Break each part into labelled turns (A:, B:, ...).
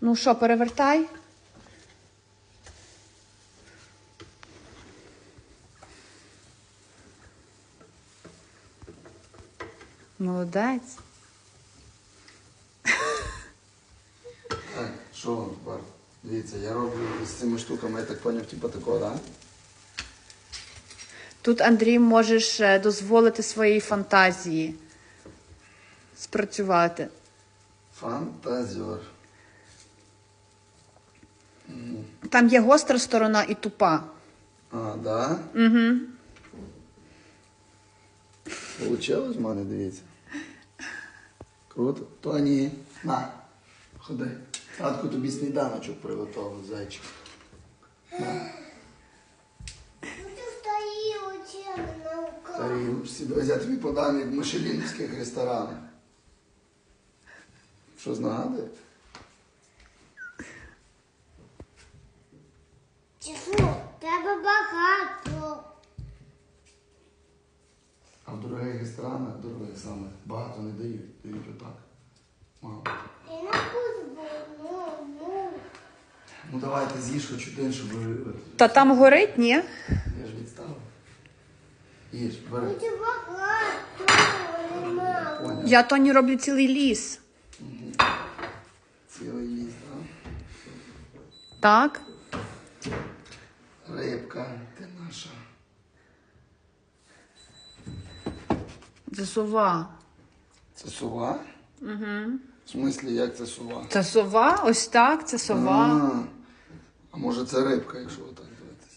A: Ну що, перевертай? Молодець.
B: Так, що, Бар? Дивіться, я роблю з цими штуками, я так поняв, типу такого, так? Да?
A: Тут, Андрій, можеш дозволити своїй фантазії спрацювати.
B: Фантазер.
A: Там є гостра сторона і тупа.
B: А, да?
A: Угу.
B: Получилось в мене, дивіться. Круто. Тоні, на, ходи. Татко тобі сніданочок приготував, зайчик. На. Тарілочці. Дивись, я тобі подам, як в мишелінівських ресторанах. Що знагадує?
C: Чесно, треба багато.
B: А в дорогих ресторанах, дорогих саме, багато не дають. Дають отак. Мало.
C: Я не буду, ну.
B: Ну давайте з'їж хоч один, щоб ви...
A: Та там горить, ні?
B: Я ж відставив. Їж, бери.
C: Буде багато, не мало.
B: Поняв.
A: Я Тоні роблю цілий ліс.
B: Цілий ліс, так?
A: Так?
B: Рибка, ти наша.
A: Це сова.
B: Це сова?
A: Угу.
B: В смислі, як це сова?
A: Це сова? Ось так, це сова.
B: А може це рибка, якщо отак дивитися?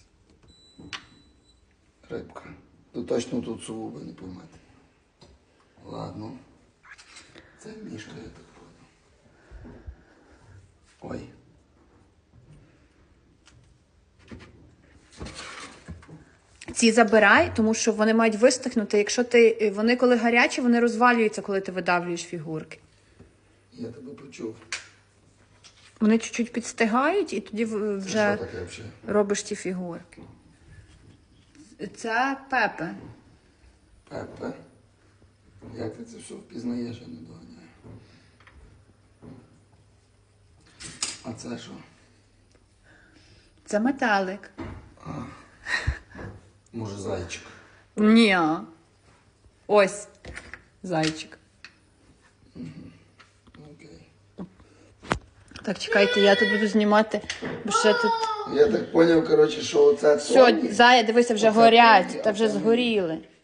B: Рибка. То точно тут сову ви не поймете. Ладно. Це мішка, я так понял. Ой.
A: Ці забирай, тому що вони мають вистигнути. Якщо вони коли гарячі, вони розвалюються, коли ти видавлюєш фігурки.
B: Я тебе почув.
A: Вони чуть-чуть підстигають і тоді
B: Це
A: вже
B: що таке взагалі?
A: робиш ті фігурки. Це Пепе.
B: Пепе? Як ти це все впізнаєш, я не доганяю. А це що?
A: Це метелик.
B: Може зайчик?
A: Ні. Ось зайчик.
B: Окей.
A: Так, чекайте, я тут буду знімати, бо ще тут...
B: Я так поняв, коротше, що оце
A: Все,
B: Тоні.
A: зая, дивися, вже
B: Оце
A: горять,
B: Тоні,
A: та
B: а
A: вже
B: це ні.
A: згоріли.